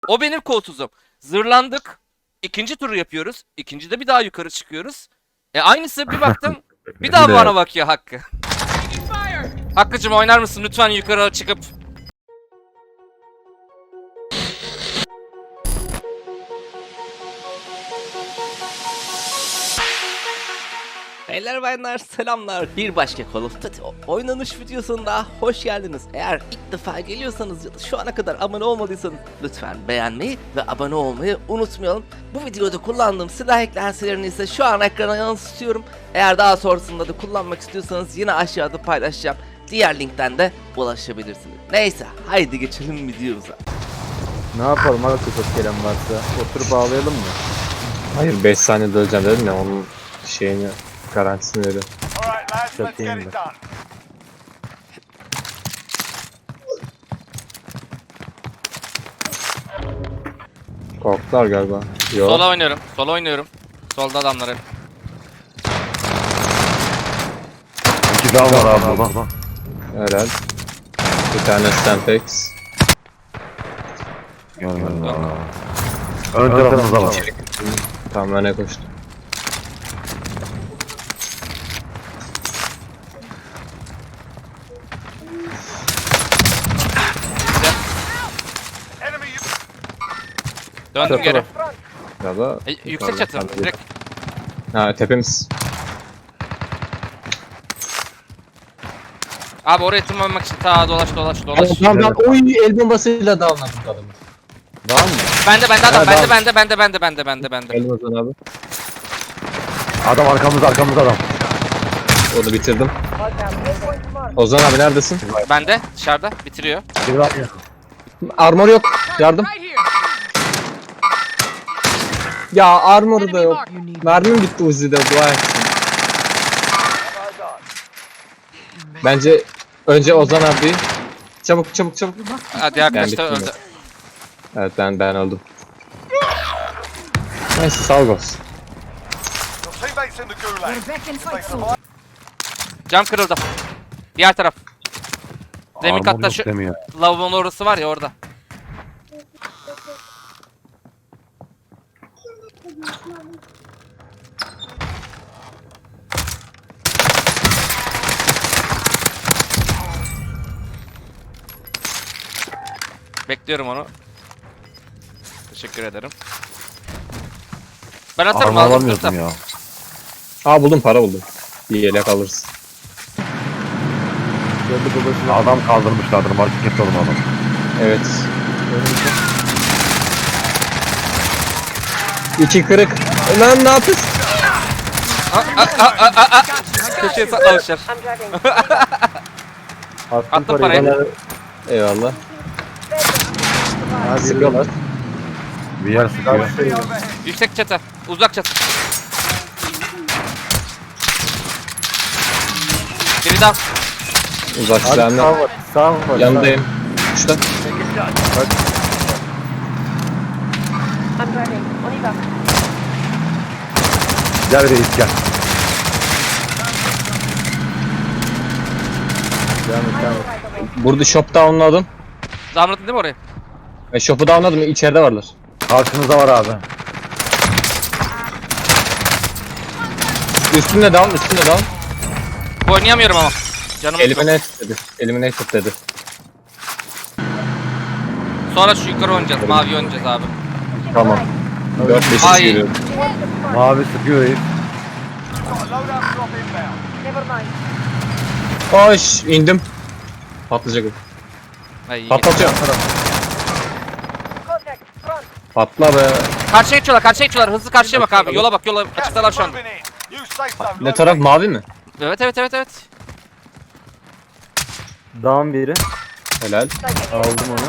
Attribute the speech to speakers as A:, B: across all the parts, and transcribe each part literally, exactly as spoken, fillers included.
A: O benim koltuzum. Zırlandık. İkinci turu yapıyoruz. İkincide bir daha yukarı çıkıyoruz. E aynısı bir baktım. Bir daha
B: Bir de-
A: bana bakıyor Hakkı. Hakkı'cım oynar mısın lütfen yukarı çıkıp? Beyler bayanlar selamlar. Bir başka Call of Duty oynanış videosunda hoş geldiniz. Eğer ilk defa geliyorsanız ya da şu ana kadar abone olmadıysanız lütfen beğenmeyi ve abone olmayı unutmayalım. Bu videoda kullandığım silah eklentilerini ise şu an ekrana yansıtıyorum. Eğer daha sonrasında da kullanmak istiyorsanız yine aşağıda paylaşacağım. Diğer linkten de ulaşabilirsiniz. Neyse haydi geçelim videomuza.
C: Ne yapalım abi çok gelen varsa? Oturup ağlayalım mı?
B: Hayır beş saniyede öleceğim dedim ya onun şeyini garantisini veriyorum.
D: Alright lads,
C: Çok
D: let's get
C: iyiyim
D: it
C: ben.
D: done.
B: Korktular galiba. Yok.
A: Sola oynuyorum. Sola oynuyorum. Solda adamlar hep.
E: İki daha var abi bak bak.
B: Herhal. Bir tane Stampex.
E: Görmedim abi. Ön tarafımızda var.
B: Tam öne koştu.
D: Enemy you.
A: Döndüm
B: Çatı
A: geri.
B: var. Galiba.
A: E, yüksek çatı.
B: Yukarıda.
A: Direkt.
B: Ha tepemiz.
A: Abi oraya tırmanmak için ta dolaş dolaş dolaş.
B: Tamam ben oy el bombasıyla dağılmadım adamı. Var mı?
A: Bende bende adam
B: Ha,
A: bende
B: tamam.
A: bende bende bende bende bende bende.
B: El bombasını abi.
E: Adam arkamızda arkamızda adam.
B: Onu bitirdim. Ozan abi neredesin?
A: Bende dışarıda bitiriyor.
E: Bir var ya.
B: Armor yok. Yardım. Ya armoru da yok. Mermim bitti Uzi'de dua etsin. Bence önce Ozan abi. Çabuk çabuk çabuk.
A: Hadi arkadaş da
B: bittim
A: öldü.
B: Evet ben ben öldüm. Neyse sağ olsun.
D: Your teammates in the gulag. They survived.
A: Cam kırıldı. Diğer taraf. Zemin
E: Armor
A: katta
E: yok
A: şu
E: demiyor.
A: lavabonun orası var ya orada. Bekliyorum onu. Teşekkür ederim. Ben atarım
E: Armor
A: aldım
E: alamıyordum
A: tutam.
E: ya.
B: Aa buldum para buldum. Bir yelek alırsın.
C: Geldi babasına.
E: Adam kaldırmışlardır market oğlum adam.
B: Evet. İki kırık. Lan ne yapıyorsun?
A: Köşeye saklamışlar.
C: Attım,
A: Attım
C: parayı.
A: parayı.
B: Eyvallah.
C: Hadi
B: Sıkıyorlar.
E: Bir yer sıkıyor.
A: Yüksek çatı. Uzak çatı. Biri daha.
B: Uzak
C: Abi
B: silahını.
C: sağ var. Sağ var.
B: Yanındayım. Uçta.
F: I'm driving. On y va.
E: Gel reis gel.
C: Devam et, devam et.
B: Burada shop downladım.
A: Damlatın değil mi oraya?
B: Ve shop'u downladım. İçeride varlar.
E: Karşınızda var abi.
B: Üstünde down, üstünde down.
A: Oynayamıyorum ama. Canım çok.
B: Eliminate dedi. Eliminate dedi.
A: Sonra şu yukarı oynayacağız. Mavi oynayacağız abi.
B: Tamam. dört beş
A: Ay.
B: geliyor.
E: Mavi sıkıyor reis.
D: Got a loadout drop inbound.
F: Never mind.
B: Koş indim. Patlayacak o.
A: Ay, iyi.
B: Patlatıyorum.
F: Contact. Front.
B: Patla be.
A: Karşıya geçiyorlar, karşıya geçiyorlar. Hızlı karşıya bak abi. Yola bak, yola
D: Gas
A: açıktalar
D: is
A: şu anda.
D: moving in. New safe zone.
B: Ne taraf mavi mi?
A: Evet, evet, evet, evet.
C: Down biri.
B: Helal.
C: Aldım onu.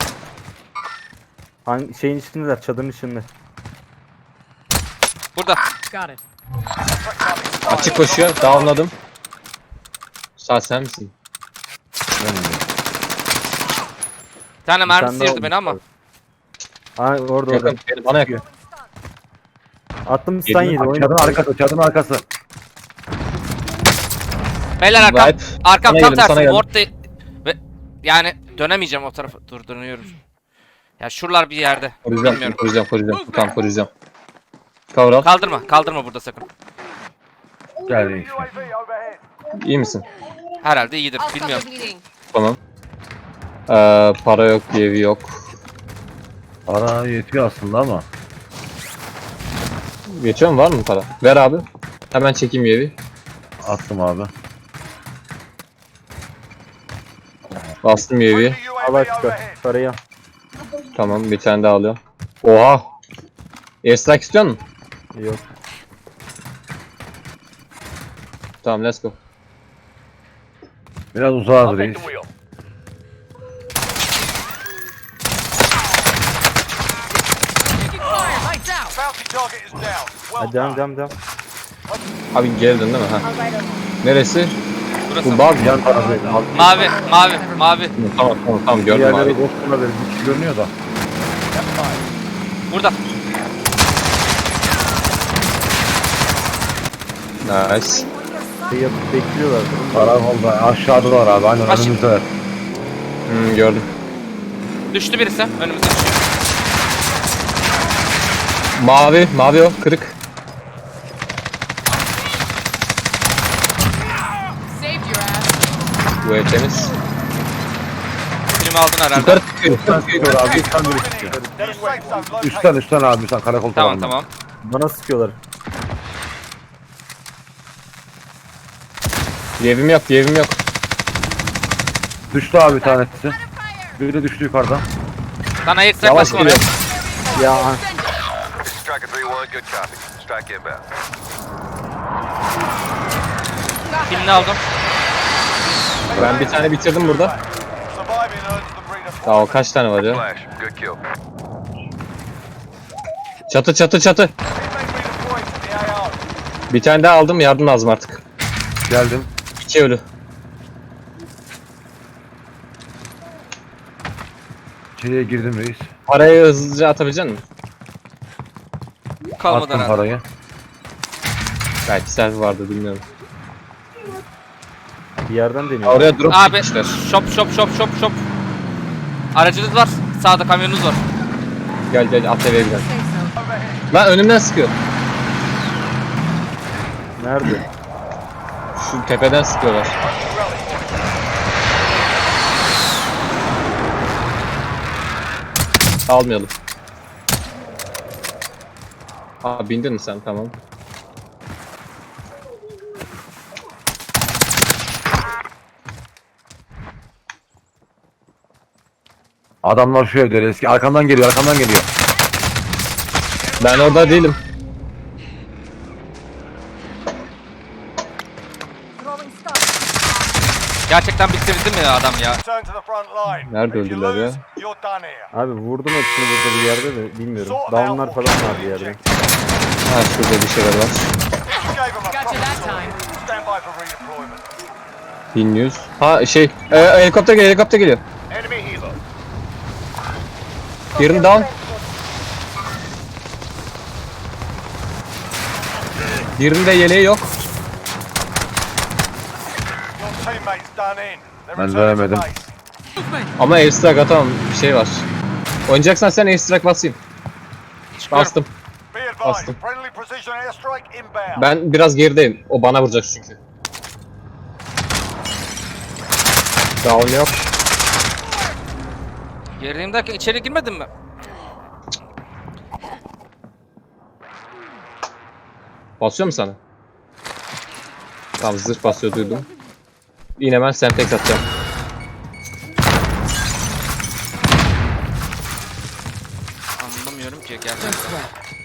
C: Hangi şeyin içindeler? Çadırın içinde.
A: Burada.
B: Açık koşuyor. Downladım. Sağ sen misin?
A: Bir tane mermi
C: tane daha
A: sıyırdı beni ama.
C: olmuş Ha orada orada.
B: Yakın. Bana yakın.
C: Attım stun yedi.
E: Çadırın
C: Oyna.
E: arkası çadırın arkası.
A: Beyler arkam.
B: Vibe.
A: Arkam
B: Sana
A: tam
B: geldim, sana
A: tersi.
B: geldim.
A: Ward değil. Ve yani dönemeyeceğim o tarafa. Dur dönüyorum.
F: Ya şuralar bir yerde.
B: Koruyacağım,
F: Bilmiyorum.
B: koruyacağım, koruyacağım. Tamam, koruyacağım. Cover al.
F: Kaldırma, kaldırma burada sakın.
E: Gel reis.
D: U A V overhead.
B: İyi misin?
F: Herhalde iyidir,
G: I'll stop the
F: bilmiyorum.
G: bleeding.
B: Tamam. Ee, para yok, evi yok.
E: Para yetiyor aslında ama.
B: Geçiyor mu? Var mı para? Ver abi. Hemen çekeyim evi.
E: Attım abi.
B: Bastım evi.
D: Friendly U A
C: Al
D: V
C: aşkı.
D: overhead.
C: Parayı al.
B: Tamam, bir tane daha alıyorum. Oha! Airstrike istiyor musun?
C: Yok.
B: Tamam, let's go.
E: Biraz uzağız reis.
G: Taking fire. Lights out.
D: Bounty target is down. Well
C: Hadi devam
D: done.
C: devam devam.
B: Abi geldin değil mi? Ha. Neresi?
F: Burası.
B: Bu bug.
E: Yan taraftaydı.
F: Mavi, mavi, mavi.
B: Tamam, tamam, tamam gördüm
E: Diğerleri
B: abi.
E: boş olabilir. Bir kişi görünüyor da.
F: Burada.
B: Nice.
C: Şey yapıp bekliyorlar. durun.
E: Karakolda aşağıdalar abi. Aynen
F: Aşağı.
E: önümüzdeler.
B: Hmm, gördüm.
F: Düştü birisi. Önümüzde düşüyor.
B: Mavi, mavi o, kırık.
G: Saved your ass.
B: Bu ev temiz.
F: Filmi aldın herhalde.
B: Yukarı çıkıyor, yukarı çıkıyor.
E: Çıkıyor abi. Üstten biri çıkıyor.
D: New safe zone located.
E: Üstten üstten abi sen karakol
F: Tamam
E: tarafından.
F: tamam.
C: Bana sıkıyorlar.
B: Evim yok, evim yok.
E: Düştü abi bir tanesi. Biri de düştü yukarıdan.
F: Lan ayırt
B: Yavaş
F: bastım oraya.
B: geliyor.
C: Ya an-
D: Striker three one, good copy. Strike inbound.
F: Filmini aldım.
B: Ben bir tane bitirdim burada.
D: Surviving earns them redeployment.
B: Daha o kaç tane var ya?
D: Flash, good kill.
B: Çatı, çatı, çatı.
D: Teammate redeployed to the A O.
B: Bir tane daha aldım, yardım lazım artık.
E: Geldim.
B: İki ölü.
E: İçeriye girdim reis.
B: Parayı hızlıca atabilecek misin?
F: Kalmadı
E: Attım
F: herhalde.
E: parayı.
B: Belki selfie vardı, bilmiyorum.
C: bir yerden deniyor.
B: Oraya drop
F: Abi
B: çekmişler.
F: şop şop şop şop şop. Aracınız var. Sağda kamyonunuz var.
B: Gel gel, at eve gidelim.
G: Say so.
B: Lan önümden sıkıyor.
C: Nerede?
B: Şu tepeden sıkıyorlar. Almayalım. Aa, bindin mi sen? Tamam.
E: Adamlar şu evde eski. Arkamdan geliyor arkamdan geliyor.
B: Ben orada değilim.
G: Throwing stuff.
F: Gerçekten bitirdi mi adam ya?
D: Return to the front line.
B: Nerede
D: If you
B: öldüler ya?
D: lose, you're done here.
C: Abi vurdum hepsini burada bir yerde de bilmiyorum. Downlar falan var bir yerde.
B: Ha, şurada bir şeyler var.
D: You gave them a
G: Got you
D: proper
G: that
D: tour.
G: time.
D: Stand by for redeployment.
B: bin yüz. Ha şey, e, helikopter geliyor, helikopter geliyor.
D: Enemy helo.
B: Birini down. Birinde yeleği yok.
D: Your teammates done in. They're
E: Ben
D: returning to
E: veremedim.
D: base.
B: Ama airstrike atamam, bir şey var. Oynayacaksan sen airstrike basayım.
F: Çıkıyorum.
B: Bastım.
D: Be advised,
B: Bastım.
D: friendly precision airstrike inbound.
B: Ben biraz gerideyim. O bana vuracak çünkü. Down yok.
F: Gerideyim derken içeri girmedin mi?
B: Basıyor mu sana? Tamam, zırh basıyor, duydum. Yine ben semtex atacağım.
F: Anlamıyorum ki gerçekten.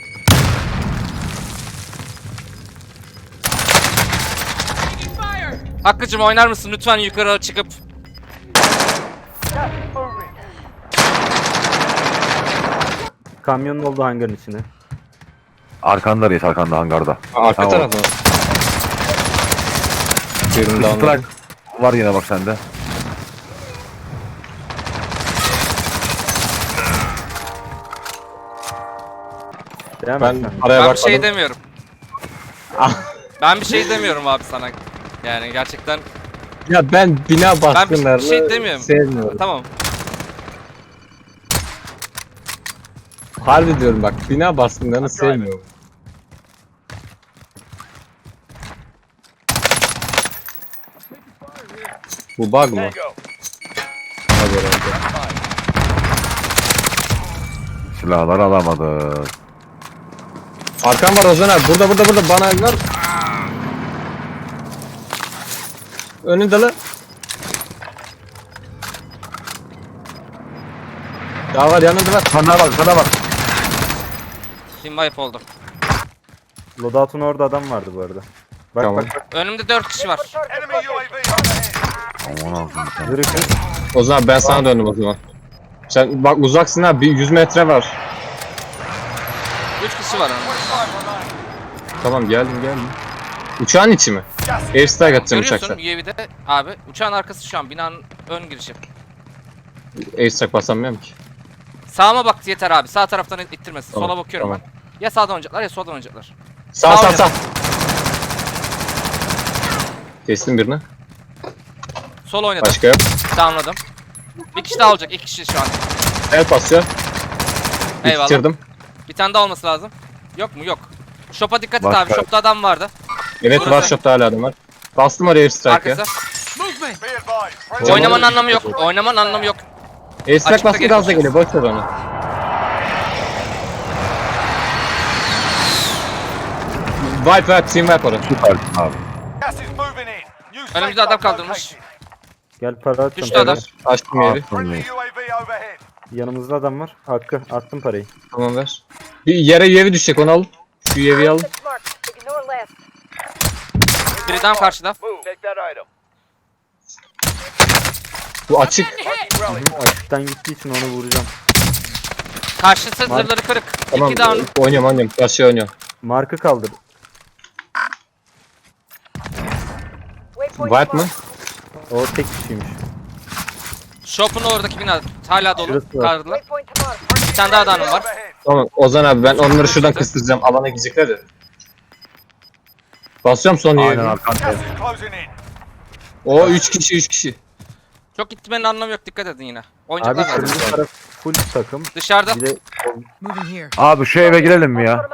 G: Taking fire.
F: Hakkı'cım oynar mısın lütfen yukarı çıkıp?
D: Moving.
C: Kamyonun olduğu hangarın içine.
E: Arkanda reis arkanda hangarda.
B: Aa, arka
E: Tamam.
B: tarafı mı? Birini down.
E: Strike var yine bak sende.
C: Devam
B: Ben
C: et sen.
B: paraya
F: Ben bir
B: bakmadım.
F: şey demiyorum. Ben bir şey demiyorum abi sana. Yani gerçekten
B: Ya ben bina
F: ben bir
B: baskınlarını
F: şey demiyorum.
B: sevmiyorum.
F: Tamam.
B: Harbi diyorum bak, bina baskınlarını sevmiyorum. Bu bug mı?
D: Go.
B: Hadi herhalde.
E: Silahlar alamadık.
B: Arkam var Ozan abi. Burada burada burada bana ver. Önünde lan. Daha var yanında var.
E: Sana bak sana bak.
F: Team wipe oldu.
C: Loadout'un orada adam vardı bu arada. Bak
B: Tamam.
C: bak bak.
F: Önümde dört kişi var.
D: Enemy U A V overhead.
E: Aman Allah'ım. sen.
C: Yürü kız.
B: Ozan abi ben sana döndüm o zaman. Sen bak uzaksın abi, bir yüz metre var.
F: Üç kişi var önümde.
B: Tamam geldim geldim. Uçağın içi mi? Airstrike atacağım
F: Görüyorsun
B: uçakta.
F: U A V'de abi. Uçağın arkası şu an binanın ön girişi.
B: Airstrike basamıyorum ki.
F: Sağıma bak yeter abi. Sağ taraftan ittirmesin.
B: Tamam,
F: Sola bakıyorum
B: tamam.
F: ben. Ya sağdan oynayacaklar ya soldan oynayacaklar.
B: Sağ
F: Sağ
B: sağ
F: ol.
B: sağ. Kestim birini.
F: Sol oynadım.
B: Başka yok.
F: Downladım. Bir kişi daha olacak. İki kişi şu an.
B: El basıyor.
F: Eyvallah.
B: Bitirdim.
F: Bir tane daha olması lazım. Yok mu? Yok. Shop'a dikkat et
E: Var,
F: abi.
E: var.
F: Shop'ta adam vardı.
B: Evet
F: Burası.
B: var, shop'ta hala adam var. Bastım oraya airstrike ya.
F: Arkası.
G: Movement.
D: Be advised. Friendly
F: Oynamanın anlamı yok. Oynamanın anlamı yok.
B: Airstrike
F: Açıkta
B: bastım gazla
F: geliyor.
B: geliyor, boş ver onu. Wipe wipe, team wipe orası.
E: Süpersin abi.
D: gas is moving in. New safe
F: Önümüzde adam
D: zone
F: kaldırmış.
D: located.
C: Gel para attım.
F: Düştü adam.
B: Evet, açtım yeri.
D: Friendly U A V overhead.
C: Yanımızda adam var. Hakkı attım parayı.
B: Tamam ver. Bir yere U A V düşecek, onu al. Şu U A V'yi al.
F: Biri down karşıda.
D: Move. Take that item.
B: Bu açık.
D: Rally point.
C: Açıktan gittiği için onu vuracağım.
F: Karşısı zırhları kırık.
B: Tamam,
F: İki down.
B: oynuyorum oynuyorum. Karşıya oynuyorum.
C: Markı kaldır.
B: Wipe mı?
C: O tek kişiymiş.
F: Shop'un oradaki bina hala dolu.
C: Şurası var.
F: Kaldırdılar. Bir tane daha adamım var.
D: Overhead.
B: Tamam Ozan abi, ben onları şuradan kıstıracağım. Alana gidecekler ya. Basıyorum son U A
E: Aynen
B: V'yi.
E: arkanda.
D: Gas is closing in.
B: O üç kişi üç kişi.
F: Çok gitmenin anlamı yok. Dikkat edin yine.
C: Abi
F: Oynayacaklar zaten.
C: kırmızı taraf full takım.
F: Dışarıda.
C: Bir de
G: Moving here.
E: Abi şu eve girelim mi ya?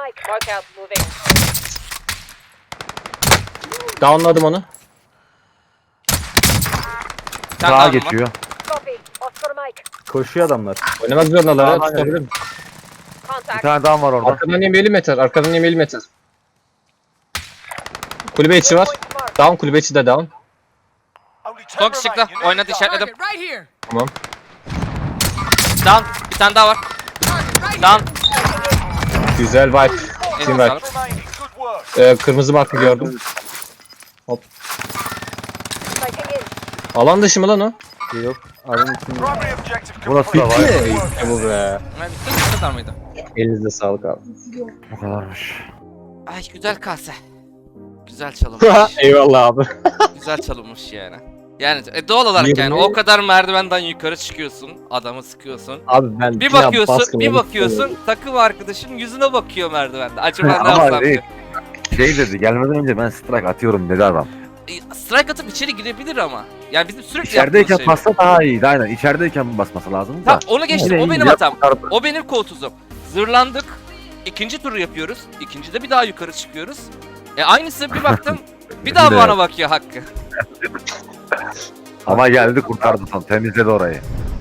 B: Downladım onu.
F: Bir tane
E: Sağa
F: daha
E: geçiyor.
C: koşuyor adamlar.
B: Oynamak zorundalar ha,
E: Tamam,
B: tutabilir mi?
E: Bir tane daha var orada.
B: Arkadan yemeğli meter, arkadan yemeğli meter. Kulübe içi var. Down, kulübe içi de down.
D: Only ten
F: Stok çıktı.
D: remain. You need
F: Oynadı
D: to go.
F: işaretledim.
G: Target right here.
B: Tamam.
F: Down. Bir tane daha var.
G: Target right
F: Down.
B: Güzel vibe.
F: Eline
B: Team vibe.
F: sağlık.
D: Remaining. Good work.
B: Ee, kırmızı markı gördüm. Hop. Alan dışı mı lan o?
C: Yok. Adam için
D: Primary objective
E: Burası
D: complete.
E: da var.
B: Bitti mi? İşte bu be.
F: Evet, bitti mi? Bu kadar mıydı?
B: Elinize sağlık abi.
E: Bu kadarmış.
F: Ay güzel kase. Güzel çalınmış.
B: Eyvallah abi.
F: Güzel çalınmış yani. Yani e, doğal olarak yani
B: Yirmi-
F: o kadar merdivenden yukarı çıkıyorsun, adamı sıkıyorsun.
B: Abi ben
F: Bir
B: plan
F: bakıyorsun,
B: baskını
F: bir
B: unuttum.
F: bakıyorsun takım arkadaşın yüzüne bakıyor merdivende. Acaba ne
E: Ama
F: yapsam
E: şey,
F: diye.
E: şey dedi, gelmeden önce ben strike atıyorum dedi adam.
F: E, Strike atıp içeri girebilir ama. Yani bizim sürekli
E: İçerideyken
F: yaptığımız şey.
E: bassa daha iyiydi aynen. İçerideyken basması lazım da.
F: Tamam onu geçtim,
E: Yine
F: o
E: iyi,
F: benim
E: yap-
F: hatam.
E: kurtardı.
F: O benim koltuzum. Zırlandık. İkinci turu yapıyoruz. İkincide bir daha yukarı çıkıyoruz. E aynısı bir baktım. Bir daha
E: Bir de-
F: bana bakıyor Hakkı.
E: Ama geldi kurtardı son temizledi orayı.